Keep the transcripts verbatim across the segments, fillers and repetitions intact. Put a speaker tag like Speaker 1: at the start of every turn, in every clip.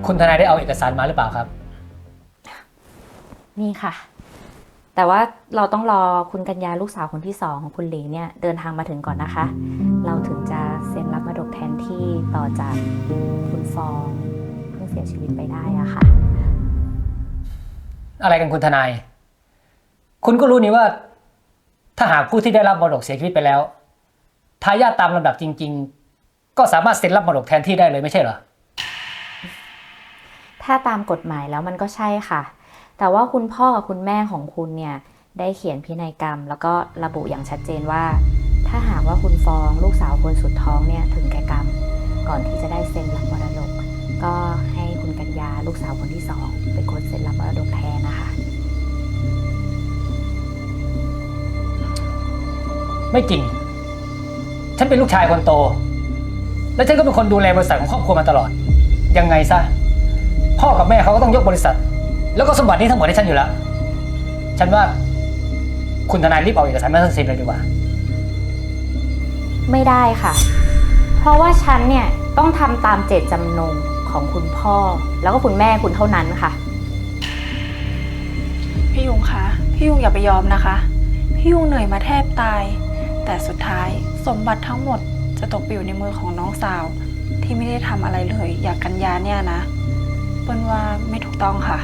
Speaker 1: คุณทนายได้เอาเอกสารมาหรือเปล่าครับ
Speaker 2: นี่ค่ะแต่ว่าเราต้องรอคุณกัญญาลูกสาวคนที่สองของคุณหลีเนี่ยเดินทางมาถึงก่อนนะคะเราถึงจะเซ็นรับมรดกแทนที่ต่อจากคุณฟองเพิ่งเสียชีวิตไปได้อะค่ะ
Speaker 1: อะไรกันคุณทนายคุณก็รู้นี่ว่าถ้าหากผู้ที่ได้รับมรดกเสียชีวิตไปแล้วทายาทตามลำดับจริงๆก็สามารถเซ็นรับมรดกแทนที่ได้เลยไม่ใช่เหรอ
Speaker 2: ถ้าตามกฎหมายแล้วมันก็ใช่ค่ะแต่ว่าคุณพ่อกับคุณแม่ของคุณเนี่ยได้เขียนพินัยกรรมแล้วก็ระบุอย่างชัดเจนว่าถ้าหากว่าคุณฟองลูกสาวคนสุดท้องเนี่ยถึงแก่กรรมก่อนที่จะได้เซ็นรับมรดกก็ให้คุณกัญญาลูกสาวคนที่สองเป็นคนเซ็นรับมรดกแทนนะคะ
Speaker 1: ไม่จริงฉันเป็นลูกชายคนโตและฉันก็เป็นคนดูแลบริษัทของครอบครัวมาตลอดยังไงซะพ่อกับแม่เขาก็ต้องยกบริษัทแล้วก็สมบัตินี้ทั้งหมดให้ฉันอยู่แล้วฉันว่าคุณทนายรีบเอาเอกสารมาเซ็นเลยดีกว่า
Speaker 2: ไม่ได้ค่ะเพราะว่าฉันเนี่ยต้องทำตามเจตจำนงของคุณพ่อแล้วก็คุณแม่คุณเท่านั้นค่ะ
Speaker 3: พี่ยุงคะพี่ยุงอย่าไปยอมนะคะพี่ยุงเหนื่อยมาแทบตายแต่สุดท้ายสมบัติทั้งหมดจะตกไปอยู่ในมือของน้องสาวที่ไม่ได้ทำอะไรเลยอยากกัญญาเนี่ยนะเปิ้ลว่าไม่ถูกต้องค่ะ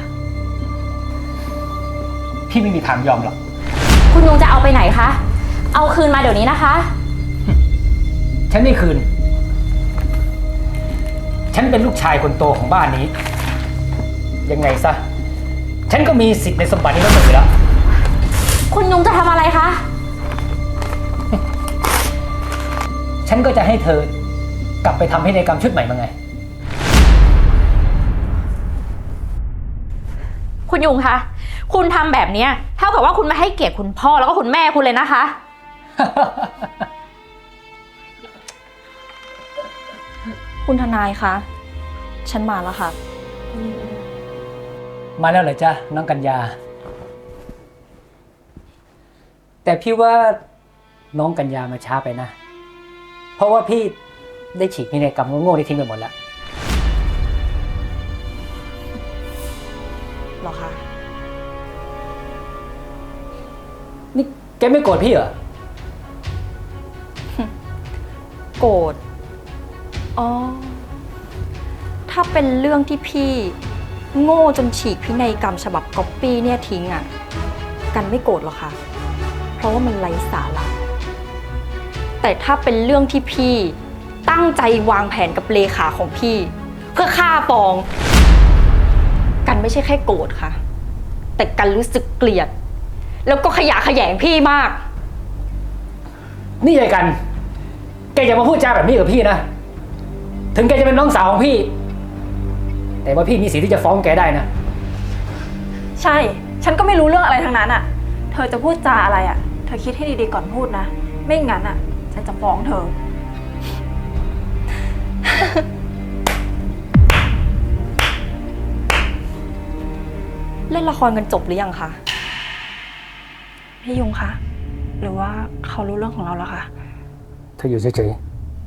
Speaker 1: พี่ไม่มีทางยอมหรอก
Speaker 2: คุณยุงจะเอาไปไหนคะเอาคืนมาเดี๋ยวนี้นะคะ
Speaker 1: ฉันไม่คืนฉันเป็นลูกชายคนโตของบ้านนี้ยังไงซะฉันก็มีสิทธิ์ในสมบัตินี้ทั้งหมดอยู่แล้ว
Speaker 2: คุณยุงจะทำอะไรคะ
Speaker 1: ฉันก็จะให้เธอกลับไปทำพินัยกรรมชุดใหม่มาไง
Speaker 2: คุณยุงคะคุณทำแบบนี้เท่ากับว่าคุณไม่ให้เกียรติคุณพ่อแล้วก็คุณแม่คุณเลยนะคะ
Speaker 3: คุณทนายคะฉันมาแล้วค่ะ
Speaker 1: มาแล้วเหรอจ๊ะน้องกัญญาแต่พี่ว่าน้องกัญญามาช้าไปนะเพราะว่าพี่ได้ฉีกพินัยกรรมโง่ๆที่ทิ้งไปหมดแล้ว
Speaker 3: หรอคะ
Speaker 1: นี่แกไม่โกรธพี่เหรอ
Speaker 3: โกรธอ๋อถ้าเป็นเรื่องที่พี่โง่จนฉีกพินัยกรรมฉบับก๊อปปี้เนี่ยทิ้งอ่ะกันไม่โกรธหรอกค่ะเพราะว่ามันไร้สาระแต่ถ้าเป็นเรื่องที่พี่ตั้งใจวางแผนกับเลขาของพี่เพื่อฆ่าปองกันไม่ใช่แค่โกรธค่ะแต่กันรู้สึกเกลียดแล้วก็ขยะแขยงพี่มาก
Speaker 1: นี่ยายกันแกอย่ามาพูดจาแบบนี้กับพี่นะถึงแกจะเป็นน้องสาวของพี่แต่ว่าพี่มีสิทธิ์ที่จะฟ้องแกได้นะ
Speaker 3: ใช่ฉันก็ไม่รู้เรื่องอะไรทั้งนั้นอ่ะเธอจะพูดจาอะไรอ่ะเธอคิดให้ดีๆก่อนพูดนะไม่งั้นอ่ะฉันจะฟ้องเธอ เล่นละครกันจบหรือยังคะพี่ยุงคะหรือว่าเขารู้เรื่องของเราแล้วคะ
Speaker 1: เธออยู่เฉย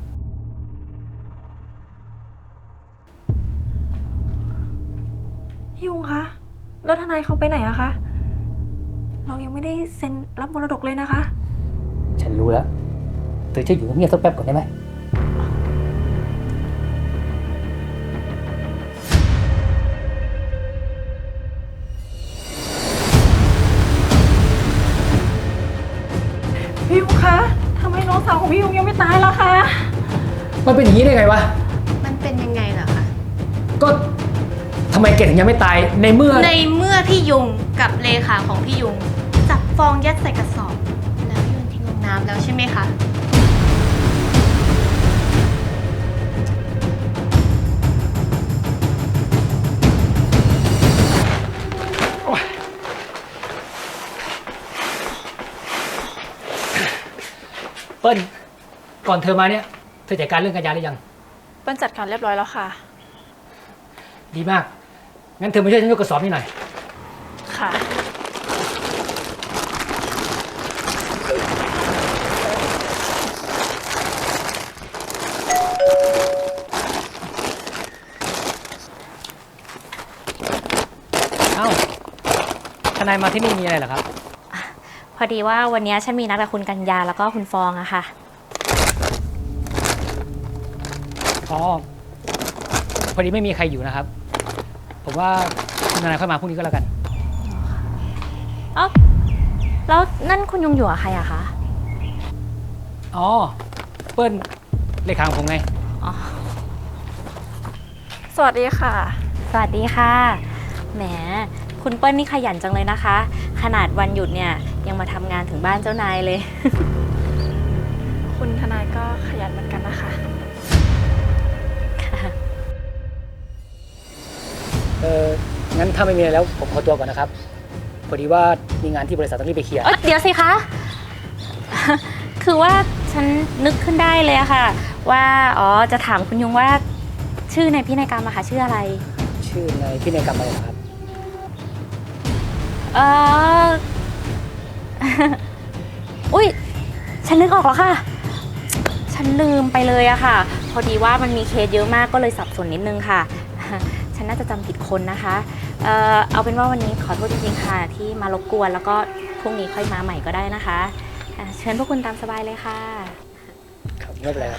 Speaker 3: ๆพี่ยุงคะแล้วทนายเขาไปไหนอะคะเรายังไม่ได้เซ็นรับมรดกเลยนะคะ
Speaker 1: ฉันรู้แล้วเธอช่วยอยู่เงียบๆสักแป๊บก่อนได้ไหม
Speaker 3: พี่ยุงคะทำไมน้องสาวของพี่ยุงยังไม่ตายล่ะคะ
Speaker 1: มันเป็นอย่างนี้ได้ไงวะ
Speaker 4: มันเป็นยังไงล่ะคะ
Speaker 1: ก็ทำไมแกถึงยังไม่ตายในเมื่อ
Speaker 4: ในเมื่อพี่ยุงกับเลขาของพี่ยุงจับฟองยัดใส่กระสอบแล้วโยนทิ้งลงน้ำแล้วใช่ไหมคะ
Speaker 1: เปิ้ลก่อนเธอมาเนี่ยเธอจัดการเรื่องกัญญาหรือยัง
Speaker 3: เปิ้ลจัดการเรียบร้อยแล้วค่ะ
Speaker 1: ดีมากงั้นเธอมาช่วยฉันยกกระสอบนี่หน่อย
Speaker 3: ค่ะ
Speaker 1: เอ้าทนายมาที่นี่มีอะไรเหรอครับ
Speaker 2: พอดีว่าวันนี้ฉันมีนัดกับคุณกัญญาแล้วก็คุณฟองอะค่ะ
Speaker 1: อ๋อ พอดีไม่มีใครอยู่นะครับ ผมว่าคุณทนายค่อยมาพรุ่งนี้ก็แล้วกัน
Speaker 2: เอ้าแล้วนั่นคุณยุงอยู่กับใครอะคะ
Speaker 1: อ๋อ เปิ้ลเลขาของผมไง
Speaker 2: อ๋อ
Speaker 3: สวัสดีค่ะ
Speaker 2: สวัสดีค่ะ แหม คุณเปิ้ลนี่ขยันจังเลยนะคะ ขนาดวันหยุดเนี่ยยังมาทำงานถึงบ้านเจ้านายเลย
Speaker 3: คุณทนายก็ขยันเหมือนกันนะคะ
Speaker 1: เอองั้นถ้าไม่มีอะไรแล้วผมขอตัวก่อนนะครับ พอดีว่ามีงานที่บริษัทต้องรีบไปเคลียร์
Speaker 2: เอ้ยเดี๋ยวสิคะ คือว่าฉันนึกขึ้นได้เลยอะค่ะ ว่าอ๋อจะถามคุณยุงว่าชื่อในพินัยกรรมอะค่ะชื่ออะไร
Speaker 1: ชื่อในพินัยกรรมอะไรเหรอครับ
Speaker 2: เออ อุ้ยฉันนึกออกแล้วค่ะ ฉันลืมไปเลยอะค่ะ พอดีว่ามันมีเคสเยอะมากก็เลยสับสนนิดนึงค่ะ ฉันน่าจะจำผิดคนนะคะเอ่อเอาเป็นว่าวันนี้ขอโทษจริงๆค่ะ ที่มารบกวนแล้วก็พรุ่งนี้ค่อยมาใหม่ก็ได้นะคะอ่ะเชิญพวกคุณตามสบายเลยค่ะ
Speaker 1: ครับไม่เป็นไรครับ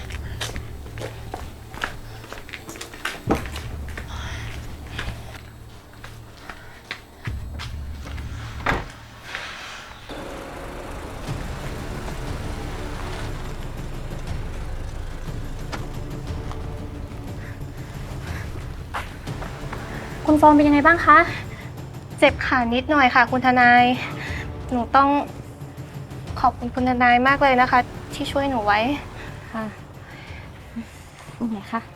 Speaker 2: คุณฟองเป็นยังไงบ้างคะ
Speaker 4: เจ็บขานิดหน่อยค่ะ คุณทนาย หนูต้องขอบคุณคุณทนายมากเลยนะคะ ที่ช่วยหนูไว้
Speaker 2: ค่ะนี่ไงคะ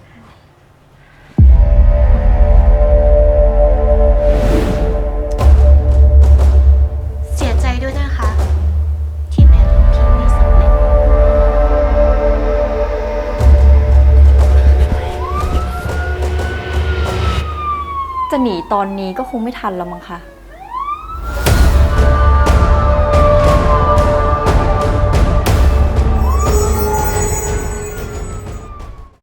Speaker 4: เสียใจด้วยนะคะ ที่แผนของพี่ไม่สำเร็จ
Speaker 3: จะหนีตอนนี้ก็คงไม่ทันแล้วมั้งคะ